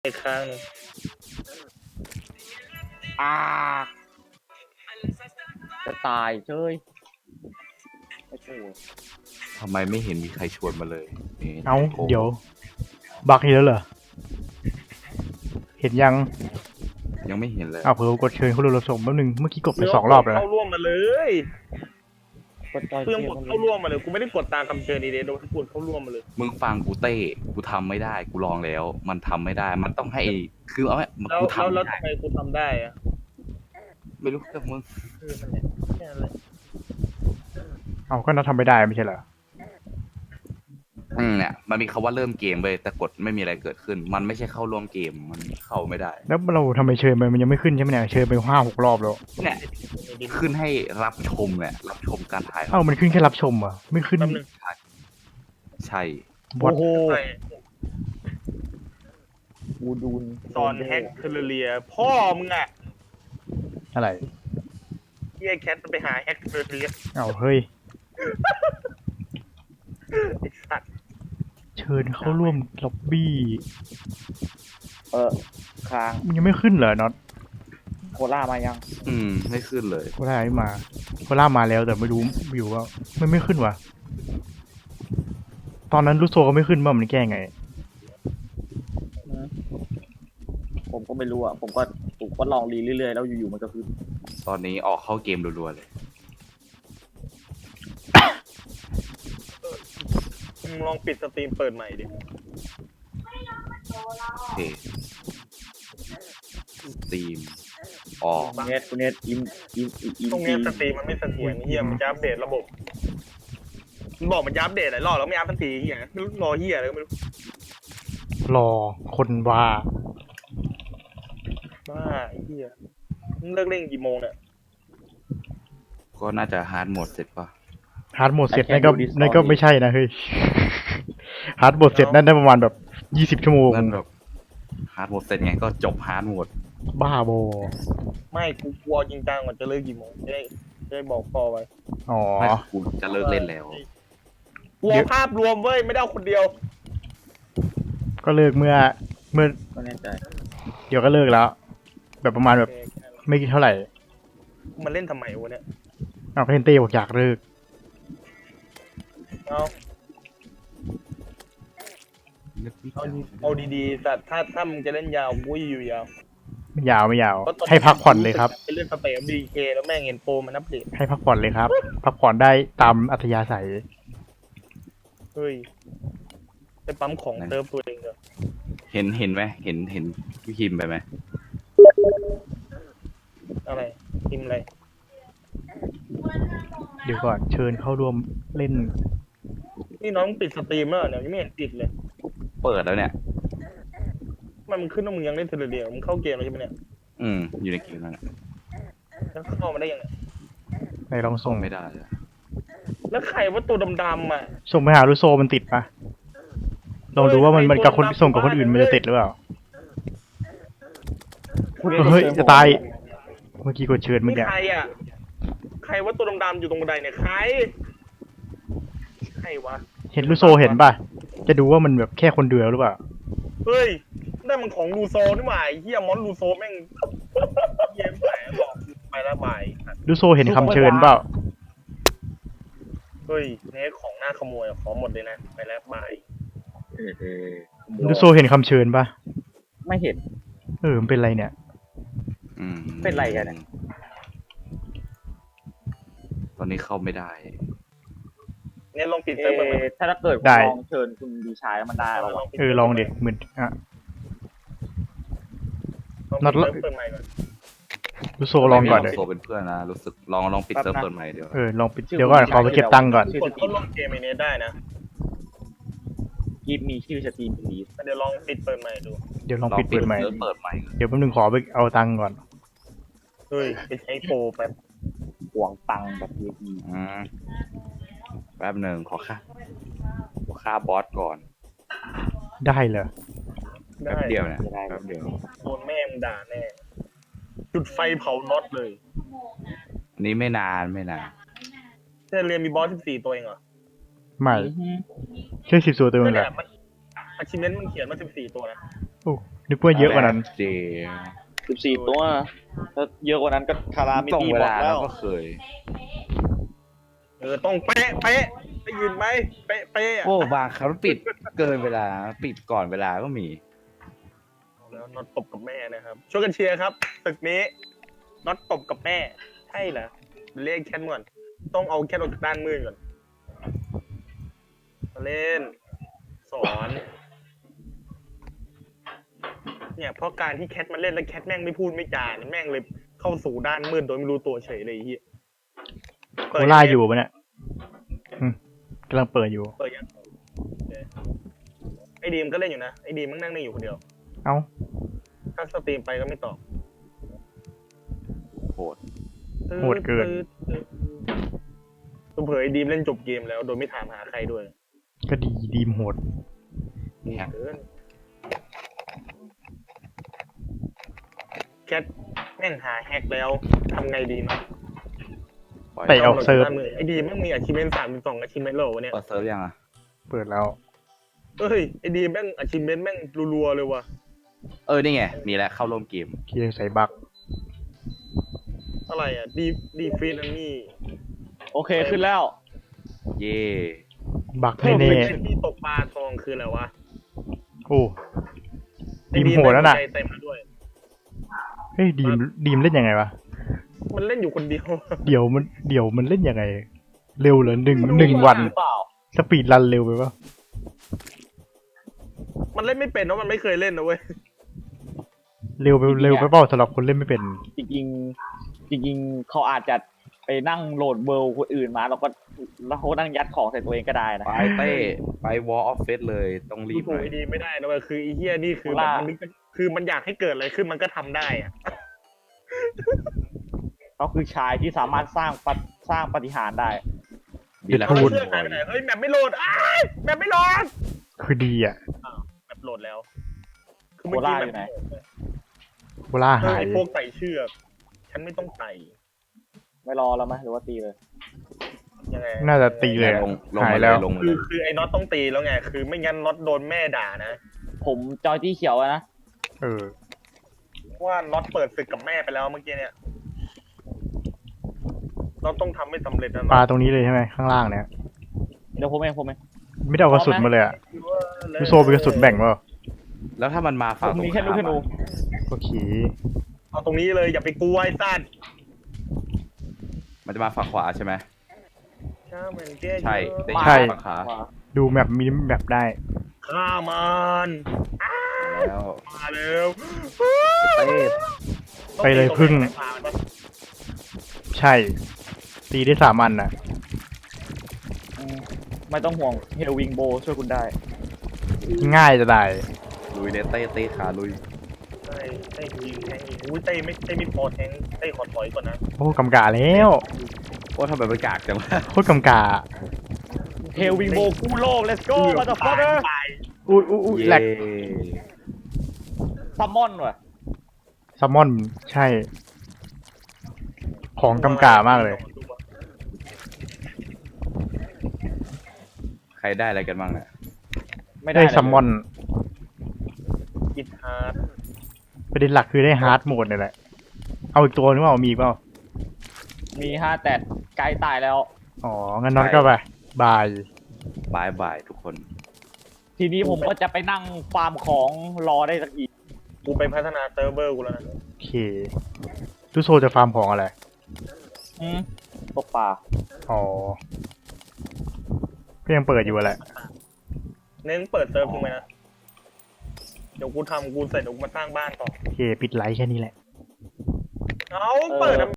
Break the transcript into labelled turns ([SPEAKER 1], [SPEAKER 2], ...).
[SPEAKER 1] อีกครั้ง
[SPEAKER 2] อ่าจะตายเจ้ยโอ้โห
[SPEAKER 3] ทำไมไม่เห็นมีใครชวนมาเลยนี่
[SPEAKER 4] เอ้า
[SPEAKER 3] โอ้
[SPEAKER 4] เดี๋ยวบักอีกแล้วเหรอเห็นยัง
[SPEAKER 3] ยังไม่เห็นเลย
[SPEAKER 4] อ้าวเพิ่งกดเชิญเขาดูเราส่งแป๊บนึงเมื่อกี้กดไป2 รอบแล้ว
[SPEAKER 1] เข้า
[SPEAKER 4] นะ
[SPEAKER 1] ร่วมมาเลย
[SPEAKER 2] กดจอย
[SPEAKER 1] เพื่อน
[SPEAKER 2] เก
[SPEAKER 1] ก
[SPEAKER 2] ม
[SPEAKER 1] ด
[SPEAKER 2] มัน
[SPEAKER 1] เข้าร่วมมาเลยกูไม่ได้กดตามคำเชิญดีเดย์โดนกดเข้าร่วมมาเลย
[SPEAKER 3] มึงฟังกูเต้กูทำไม่ได้กูลองแล้ว มันทำไม่ได้ มันต้องให้คือเอาไว้
[SPEAKER 1] แล้ว
[SPEAKER 3] กูทำ
[SPEAKER 1] แล้ว
[SPEAKER 3] ไม่ได้
[SPEAKER 1] ทำไมกูทำได้อะ
[SPEAKER 3] ไม่รู้แต่มึง
[SPEAKER 1] คือมันเนี่ยแค่นั้นแหละ
[SPEAKER 4] เอาก็น่าทำไม่ได้ไม่ใช่เหรอ
[SPEAKER 3] เนี่ยมันมีคำว่าเริ่มเกมเลยแต่กดไม่มีอะไรเกิดขึ้น มันไม่ใช่เข้าร่วมเกมมันเข้าไม่ได้
[SPEAKER 4] แล้วเราทำไมเชิญไปมันยังไม่ขึ้นใช่ไหมเนี่ยเชิญไป5-6 รอบแล้ว
[SPEAKER 3] เนี่ยขึ้นให้รับชมเนี่ยรับชมการถ่าย
[SPEAKER 4] เอ้ามันขึ้นแค่รับชมเหรอ่ะไม่ขึ้น
[SPEAKER 1] แป๊บนึง
[SPEAKER 3] ใช่
[SPEAKER 4] วัด
[SPEAKER 2] โอ้โห
[SPEAKER 1] ใช่
[SPEAKER 2] กูดูน
[SPEAKER 1] ตอนแฮกเทอร์เรียพ่อมึงอะ
[SPEAKER 4] อะไร
[SPEAKER 1] ที่ไอ้แคทมันไปหาแฮกเทอร์เรีย
[SPEAKER 4] เอ้าเฮ้ย
[SPEAKER 1] ไอ้สัตว์
[SPEAKER 4] เชิญเข้าร่วมล็อบบี้
[SPEAKER 2] ค้าง
[SPEAKER 4] มันยังไม่ขึ้นเหรอน็อต
[SPEAKER 2] โคล่ามายัง
[SPEAKER 3] ไม่ขึ้นเลย
[SPEAKER 4] โคล่าไม่มาโคล่ามาแล้วแต่ไม่รู้อยู่ว่าไม่ขึ้นวะตอนนั้นลูกโซก็ไม่ขึ้นบ้างมันแก้ไง
[SPEAKER 2] ผมก็ไม่รู้อ่ะผมก็ลองรีเรื่อยๆแล้วอยู่ๆมันก็คือ
[SPEAKER 3] ตอนนี้ออกเข้าเกมรัวๆเลย
[SPEAKER 1] มึงลองปิดสตรีมเปิดใหม่ดิ
[SPEAKER 3] โอเคสตรีมออก
[SPEAKER 2] คุณเนทอิน
[SPEAKER 1] ตรงเนี้ยสตรีมมันไม่เสถียรเฮียมันจะอัปเดตระบบมันบอกมันจะอัปเดตหลายรอบแล้วไม่อัปสักทีเฮียไม่รู้รอเฮียอะไรก็ไม่รู้
[SPEAKER 4] รอคนว่า
[SPEAKER 1] บ้าไอ้เฮียมึงเลิกเล่นกี่โมงเนี่ย
[SPEAKER 3] ก็น่าจะฮาร์ดโหมดเสร็จป่ะ
[SPEAKER 4] ฮาร์ดโหมดเสร็จนั่นก็ไม่ใช่นะเฮ้ยฮาร์ดโหมดเสร็จนั่นได้ประมาณแบบ20 ชั่วโมง
[SPEAKER 3] นั่นแบบฮาร์ดโหมดเสร็จไงก็จบฮาร์ดโหมด
[SPEAKER 4] บ้าโบ
[SPEAKER 1] ไม่กูกลัวจริงจังก่อนจะเลิกกี่โมงจะได้บอกพ่อไว้
[SPEAKER 4] อ๋อ
[SPEAKER 3] ไม่กูจะเลิกเล่นแล้ว
[SPEAKER 1] กลัวภาพรวมเว้ยไม่ได้เอาคนเดียว
[SPEAKER 4] ก็เลิกเมื่อ
[SPEAKER 2] ก็แน่ใจ
[SPEAKER 4] เดี๋ยวก็เลิกแล้ว แบบประมาณแบบไม่กี่เท่าไหร่
[SPEAKER 1] มันเล่นทำไมวะเนี่ย
[SPEAKER 4] เอาก็เห็นเต้บอกอยากเลิก
[SPEAKER 1] เอาเอาดีๆแต่ถ้ามึงจะเล่นยาวกูอยู่ยาว
[SPEAKER 4] ไม่ยาวไม่ยาว
[SPEAKER 1] เพราะตอนนี้
[SPEAKER 4] ให้พักผ่อนเลยครับ
[SPEAKER 1] ไปเล่นสเปรย์ดีเคแล้วแม่งเห็นโปรมันอัปเดต
[SPEAKER 4] ให้พักผ่อนเลยครับ พักผ่อนได้ตามอัธยาศัย
[SPEAKER 1] เฮ้ยไปปั๊มของเติมตัวเองเหรอ
[SPEAKER 3] เห็นไหมเห็นพี่คิมไปไหม
[SPEAKER 1] อะไรทีมอะไร
[SPEAKER 4] เดี๋ยวก่อนเชิญเข้าร่วมเล่น
[SPEAKER 1] นี่น้องปิดสตรีมแล้วเหรอเนี่ยยังไม่เห็นปิดเลย
[SPEAKER 3] เปิดแล้วเนี่ย
[SPEAKER 1] มันขึ้นว่ามึงยังเล่นเทเลเดียมึงเข้าเกมแล้วใช่ไหมเนี่ย
[SPEAKER 3] อยู่ในเกมนั่นแหละ
[SPEAKER 1] แล้วเข้ามาได้ยังไง
[SPEAKER 4] ในลองส่ง
[SPEAKER 3] ไม่ได้เลย
[SPEAKER 1] แล้วใครว่าตัวดำๆอ่ะ
[SPEAKER 4] ส่งไปหาลูโซมันติดปะลองดูว่ามันกับคนส่งกับคนอื่นมันจะติดหรือเปล่า เฮ้ยจะตาย เมื่อกี้กดเชิญเมื่อ
[SPEAKER 1] นี่
[SPEAKER 4] กี้
[SPEAKER 1] ใครอ่ะใครว่าตัวดำๆอยู่ตรงบันไดเนี่ยใครใครวะ
[SPEAKER 4] เห็นลูโซเห็นปะจะดูว่ามันแบบแค่คนเดียวหรือเปล่า
[SPEAKER 1] เฮ้ยนั่นมันของลูโซนี่หว่าไอ้เฮียมอนลูโซแม่งเยี่ยมไปบอกไปละบาย
[SPEAKER 4] ลูโซเห็นคำเชิญเปล่า
[SPEAKER 1] เฮ้ยเนี่ยของน่าขโมยอะขอหมดเลยนะไปแล้วบาย
[SPEAKER 4] ลูโซเห็นคำเชิญปะ
[SPEAKER 2] ไม่เห็น
[SPEAKER 4] มันเป็นไรเนี่ย
[SPEAKER 2] เป็นไรกันเนี่ย
[SPEAKER 3] ตอนนี้เข้าไม่ได้
[SPEAKER 1] เนี่ยลองปิดเซิร์ฟเวอร์ไหม
[SPEAKER 2] ถ้าเกิด
[SPEAKER 4] ได้
[SPEAKER 2] ลองเชิญคุณดีชายแล้วมันได้หรอวะ
[SPEAKER 4] ลองเด็กเหมือนอ่ะ
[SPEAKER 1] ลองปิดเซิร์ฟเปิดใหม่ก่อน
[SPEAKER 4] ลูโซลองก่อน
[SPEAKER 3] เล
[SPEAKER 4] เลย ย
[SPEAKER 3] โซเป็นเพื่อนนะรู้สึกลองปิดเซิร์ฟเปิดใหม่เดี๋ยว
[SPEAKER 4] ลองปิดเดี๋ยวก่อนขอไปเก็บตังค์ก่อน
[SPEAKER 1] กดเข้าร่วมเกมไอเนี้ยได้นะ
[SPEAKER 2] กีมีชื่อสตรีมพลีส
[SPEAKER 1] เดี๋ยวลองปิดเปิดใหม่ดู
[SPEAKER 4] เดี๋ยวลองปิดเปิดใหม่
[SPEAKER 3] เซิร์ฟเปิดใหม่
[SPEAKER 4] เดี๋ยวแป๊บนึงขอไปเอาตังค์ก่อน
[SPEAKER 1] เฮ้ยไปใช้โปรแป๊บ
[SPEAKER 2] ห่วงตังค์แบบพี
[SPEAKER 3] แป๊บหนึ่งขอค่าบอสก่อน
[SPEAKER 4] ได้เหรอ
[SPEAKER 3] แป๊บเดียวเนี่ยแป๊บเดียว
[SPEAKER 1] โดนแม่มึงด่าแน่ จุดไฟเผาน็อตเลย
[SPEAKER 3] นี่ไม่นาน
[SPEAKER 1] เทเรียนมีบอส14ตัวเองเหรอ
[SPEAKER 4] ไม่แค่10 ตัวเต็ม
[SPEAKER 1] นั่น
[SPEAKER 4] เล
[SPEAKER 1] แห
[SPEAKER 4] ย
[SPEAKER 1] ละมันอาชิเมนต์มันเขียนมา14ตัวนะ
[SPEAKER 4] โอ้นึกว่าเยอะกว่านั้น
[SPEAKER 3] เจ
[SPEAKER 2] 14 ตัวถ้าเยอะกว่านั้นก็คารามิ
[SPEAKER 3] ตรง
[SPEAKER 2] ตี
[SPEAKER 3] เว
[SPEAKER 2] บอก
[SPEAKER 3] ลา
[SPEAKER 2] แล้
[SPEAKER 3] เรา
[SPEAKER 2] ว
[SPEAKER 3] ก็เคย
[SPEAKER 1] ต้องเป๊ะได้ยินไหมเป๊ะอะ
[SPEAKER 3] โอ้บางครั้งปิดเกินเวลาปิดก่อนเวลาก็มี
[SPEAKER 1] แล้วน็อตตบกับแม่นะครับช่วยกันเชียร์ครับตึกนี้น็อตตบกับแม่ใช่เหรอเรียกแค่นก่อนต้องเอาแค่ออกจากด้านมืดก่อนมาเล่นสอนเนี่ยเพราะการที่แคทมาเล่นแล้วแคทแม่งไม่พูดไม่จาเนี่ยแม่งเลยเข้าสู่ด้านมืดโดยไม่รู้ตัวเฉยเลยไอ้เฮีย
[SPEAKER 4] โคล่าอยู่ปะเนี่ยกำลังเปิดอยู่
[SPEAKER 1] เปิดยังโอเคไอ้ดีมก็เล่นอยู่นะไอ้ดีมมันนั่งอยู่คนเดียว
[SPEAKER 4] เอ้า
[SPEAKER 1] ถ้าสตรีมไปก็ไม่ตอบ
[SPEAKER 3] โหด
[SPEAKER 4] โหดเกิน
[SPEAKER 1] เผยไอ้ดีมเล่นจบเกมแล้วโดยไม่ถามหาใครด้วย
[SPEAKER 4] ก็ดีดีมโหด
[SPEAKER 3] แฮก
[SPEAKER 1] เกินแคทแม่งหาแฮกแล้วทำไงดีมั้ย
[SPEAKER 3] ปล่อย
[SPEAKER 4] เตะออกเซิร์ฟ
[SPEAKER 1] ไอ้ดีมแม่งมีอาชีพเป็น32อาชีพโลวะเนี่ย
[SPEAKER 3] เปิดเซิร์ฟยังอ่ะ
[SPEAKER 4] เปิดแล้ว
[SPEAKER 1] เฮ้ยไอ้ดีมแม่งอาชีพแม่งรัวๆเลยว่ะ
[SPEAKER 3] นี่ไงมีแล้วเข้าร่วมเกม
[SPEAKER 4] เคียใส่บัก
[SPEAKER 1] อะไรอ่ะดีฟีนอันนี้
[SPEAKER 2] โอเคขึ้นแล้ว
[SPEAKER 3] เย่
[SPEAKER 4] บัก
[SPEAKER 1] เพิ่ม
[SPEAKER 4] แน่
[SPEAKER 1] เป็นที่ตกปลาทองคืออะไรวะ
[SPEAKER 4] ๆโอ้ ดีมโหดแล้วน่ะ
[SPEAKER 1] ไอ้ดีมแม่งใจเต็มมาด้วย
[SPEAKER 4] เฮ้ยดีมเล่นยังไงวะ
[SPEAKER 1] มันเล่นอยู่คนเดียว
[SPEAKER 4] เดี๋ยวมันเล่นยังไง เร็วเหรอหนึ่งวัน
[SPEAKER 2] หรือเปล่า
[SPEAKER 4] สปีดรันเร็วไปปะ
[SPEAKER 1] มันเล่นไม่เป็นเพราะมันไม่เคยเล่นนะเว้ย
[SPEAKER 4] เร็วไปเปล่าสำหรับคนเล่นไม่เป็น
[SPEAKER 2] จริงๆเขาอาจจะไปนั่งโหลดเวิลด์คนอื่นมาแล้วเขานั่งยัดของใส่ตัวเองก็ได้นะ
[SPEAKER 3] ไปเต้ไป Wall of Fate เลยต้องรี
[SPEAKER 1] ดู
[SPEAKER 3] บ
[SPEAKER 1] ถู
[SPEAKER 3] ห
[SPEAKER 1] ก
[SPEAKER 3] น่อย
[SPEAKER 1] ไอ้ดีไม่ได้นะเว้ยคือไอ้เฮียนี่คือแบบมันนึกคือมันอยากให้เกิดอะไรขึ้นมันก็ทำได้อ่ะ
[SPEAKER 2] เขาคือชายที่สามารถสร้างปาฏิหาริย์ได้
[SPEAKER 3] ดีแล้ว
[SPEAKER 4] พู
[SPEAKER 1] เอา
[SPEAKER 4] ด
[SPEAKER 1] เชือกหายไปไหนเฮ้ยแมปไม่โหลดอ้ายแมปไม่โหลด
[SPEAKER 4] คือดีอ่ะ
[SPEAKER 1] แมปโหลดแล้ว
[SPEAKER 2] โคล่าอยู่ไหน
[SPEAKER 4] โคล่า
[SPEAKER 1] เฮ้
[SPEAKER 4] หาย
[SPEAKER 1] ยพวกไต่เชือกฉันไม่ต้องไต่
[SPEAKER 2] ไม่รอแล้วไหมหรือว่าตีเลย
[SPEAKER 1] ยังไง
[SPEAKER 4] น่าจะตีเลยอะ
[SPEAKER 3] ลง
[SPEAKER 4] หาย
[SPEAKER 3] มาเล
[SPEAKER 4] แล้
[SPEAKER 3] ยว ลงมาเลย
[SPEAKER 1] คือไอ้น็อตต้องตีแล้วไงคือไม่งั้นน็อตโดนแม่ด่านะ
[SPEAKER 2] ผมจอยที่เขียวอะนะ
[SPEAKER 4] เออ
[SPEAKER 1] ว่าน็อตเปิดศึกกับแม่ไปแล้วเมื่อกี้เนี่ยน็อตต้องทำให้สำเร็จนะ
[SPEAKER 4] ปลา
[SPEAKER 1] น็อต
[SPEAKER 4] ตรงนี้เลยใช่ไหมข้างล่างเนี่ย
[SPEAKER 2] เดี๋ยวผมเอง
[SPEAKER 4] ไม่ได้เอากระสุนมาเลยอ่ะลูโซเป็นกระสุนแบ่งเปล่า
[SPEAKER 3] แล้วถ้ามันมา
[SPEAKER 2] ผ
[SPEAKER 3] ฝั่ง
[SPEAKER 2] ม
[SPEAKER 3] ตรง
[SPEAKER 2] มีแค่ลูกธ
[SPEAKER 3] ข้าม
[SPEAKER 2] นู
[SPEAKER 3] อะ
[SPEAKER 4] โอเค
[SPEAKER 1] เอาตรงนี้เลยอย่าไปกลัวไอ้สัตว์
[SPEAKER 3] มันจะมาฝั่งขวาใช่ไหม
[SPEAKER 1] ใช่
[SPEAKER 3] ใช่
[SPEAKER 4] ใช่
[SPEAKER 3] ฝั่งขา
[SPEAKER 4] ดูแมปมินิแมปได้
[SPEAKER 1] ฆ่ามัน
[SPEAKER 3] แล้ว
[SPEAKER 1] มาเร็ว
[SPEAKER 3] เต้
[SPEAKER 4] ไปเลยพึ่ง ใช่ ตีได้3 อันน่ะ
[SPEAKER 2] อืมไม่ต้องห่วงเฮลวิงโบช่วยคุณได้
[SPEAKER 4] ง่ายจะได้
[SPEAKER 3] ลุยเลยเต้ขาลุย
[SPEAKER 1] ใช่เต้ยิงแทงยิงอุ้ยเต้ไม่พอแทงเต้ขอถอยก่อนนะ
[SPEAKER 4] โอ้กำกาแล้ว
[SPEAKER 3] โอ้ทำไมมันกากจังวะ
[SPEAKER 4] โคตรกำกา
[SPEAKER 2] เฮลวิงโบกู้โลก let's go มาจากฟอร์เดอร์
[SPEAKER 1] ตาย
[SPEAKER 4] อุ้ยแหลก
[SPEAKER 2] ซัมมอนว่ะ
[SPEAKER 4] ซัมมอนใช่ ของกำกามากเลย
[SPEAKER 3] ใครได้อะไรกันบ้างเนี่ย
[SPEAKER 2] ไม่ได้
[SPEAKER 4] ได้
[SPEAKER 2] เลย
[SPEAKER 4] ซัมมอน
[SPEAKER 1] กิดฮาร์ด
[SPEAKER 4] ประเด็นหลักคือได้ฮาร์ดโหมดนี่แหละ เอาอีกตัวนึงว่ามีอีกเปล่า
[SPEAKER 2] มี5แต่ไกลตายแล้ว
[SPEAKER 4] อ๋อ งั้นน็อตก็ไปบาย
[SPEAKER 3] บายทุกคน
[SPEAKER 2] ทีนี้ผมก็จะไปนั่งฟาร์มของรอได้สักอีก
[SPEAKER 1] กูไปพัฒนาเซิร์ฟเวอร์กูแล้วนะ
[SPEAKER 4] โอเคลูโซจะฟาร์มของอะไร
[SPEAKER 2] ตกปลา
[SPEAKER 4] อ๋อ ก็ยังเปิดอยู่อะแหละ
[SPEAKER 1] เน้นเปิดเซิร์ฟทิ้งไว้นะเดี๋ยวกูทำกูเสร็จเดี๋ยวกูมาสร้างบ้านต่อ
[SPEAKER 4] โอเค ปิดไลท์แค่นี้แหละ
[SPEAKER 1] เอาเปิด